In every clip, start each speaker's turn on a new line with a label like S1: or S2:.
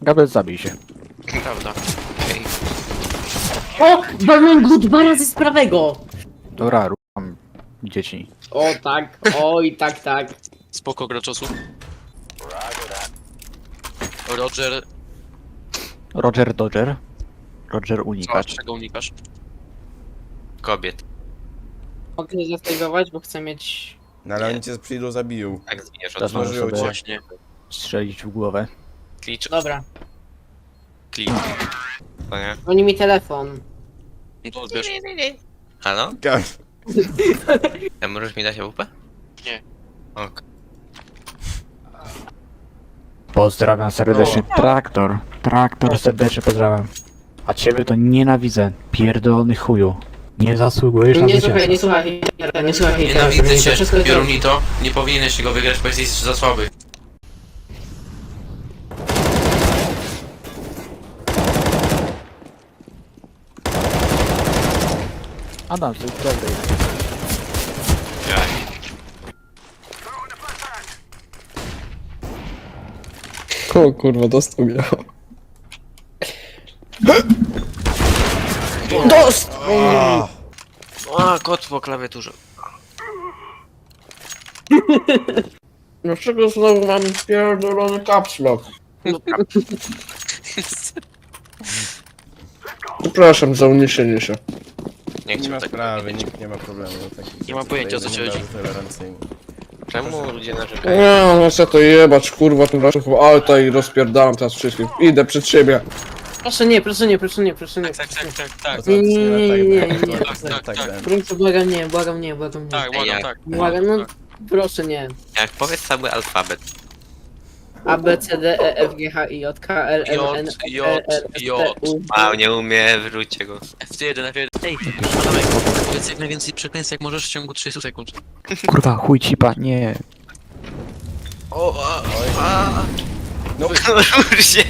S1: Kabel, zabij się.
S2: Prawda. Okej.
S3: O! Walnąłem go 2 razy z prawego!
S1: Dobra, rucham dzieci.
S3: O tak, oj tak, tak.
S2: Spoko graczosu. Roger,
S1: Roger Dodger. Roger
S2: co,
S1: unikacz.
S2: czego unikasz?
S4: Kobiet.
S3: Mogę się zastejgować, bo chcę mieć...
S5: No ale oni cię przyjdą, zabiją.
S4: Tak zginiesz
S1: Teraz
S4: od
S1: możesz
S5: Zdążyło
S1: sobie
S5: cię.
S2: Właśnie.
S1: strzelić w głowę.
S4: klicz.
S3: Dobra,
S4: Klicz. To nie?
S3: dzwoni mi telefon.
S2: No to odbierz.
S4: Halo?
S5: Ka-
S4: A możesz mi dać AWP?
S2: Nie.
S4: Ok.
S1: Pozdrawiam serdecznie. Traktor. Traktor serdecznie pozdrawiam. A ciebie to nienawidzę. Pierdolony chuju. Nie zasługujesz na
S3: Nie
S1: zwycięstwo.
S3: słuchaj, nie słuchaj, nie słuchaj.
S4: Nienawidzę cię,
S3: Wszystko jest
S4: Biorunito. Nie powinieneś go wygrać, bo jesteś za słaby.
S1: Adam, to jest dobry.
S6: O kurwa, dostał mnie.
S4: A, kot po klawiaturze.
S6: Dlaczego znowu mam pierdolony caps lock? Przepraszam za uniesienie się.
S4: Nie
S5: Nie ma
S4: chciał tak.
S5: sprawy, nikt nie ma problemu. Tak,
S2: Nie mam pojęcia, o co ci chodzi.
S5: tolerancyjny.
S4: Czemu ludzie narzekają?
S6: Nie, no chcę to jebać, kurwa, tym razem chyba alta i rozpierdalam teraz wszystkich. Idę przed siebie.
S3: Proszę nie, proszę nie, proszę nie, proszę nie.
S2: Tak.
S5: No to
S3: Nie, nie, nie,
S5: tak,
S3: nie,
S5: tak,
S2: nie.
S5: tak, tak, tak.
S3: Proszę, błagam nie, błagam nie, błagam nie.
S2: Tak, błagam,
S4: jak?
S2: tak.
S3: Błagam, no proszę nie.
S4: Jak powiedz cały alfabet.
S3: A, B, C, D, E, F, G, H, I, J, K, L, M, N,
S2: J, J.
S4: A, nie umie, wyrzućcie go.
S2: F1, F1. Ej, Adamek, powiedz jak najwięcej przekleństw jak możesz w ciągu 30 sekund.
S1: Kurwa, chuj cipa, nie.
S4: O,
S5: No,
S4: rusz się.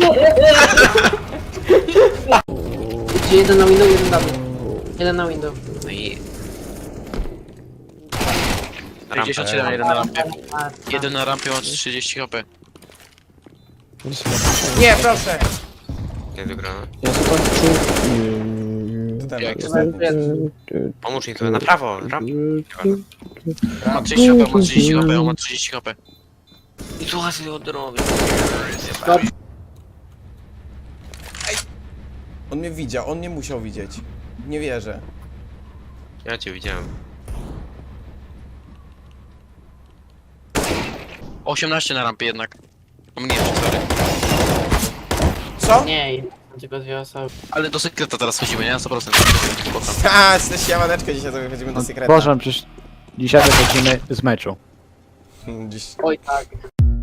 S3: Gdzie jeden na window, jeden na jeden na window.
S4: No i...
S2: 57, jeden na rampie. Jeden na rampie ma 30 HP.
S5: nie, proszę!
S4: Nie wygrano.
S6: Ja zobaczył.
S5: To ten,
S2: Jak?
S5: to ten.
S4: Pomóż mi trochę na prawo.
S2: Ma 30 HP, ma 30 HP, on ma 30 HP.
S4: I tu łasy od drogi.
S5: On mnie widział, on nie musiał widzieć. Nie wierzę.
S4: Ja cię widziałem.
S2: 18 na rampie jednak. Pomniejszy, sorry.
S5: Co?
S3: Nie, tylko 2 osoby.
S2: Ale do sekreta teraz chodzimy, nie? Na 100%. Spoko.
S5: Ha, jesteś jamaneczkę, dzisiaj sobie chodzimy do sekreta.
S1: Boże, przecież dzisiaj wychodzimy z meczu.
S5: Dziś...
S3: Oj tak.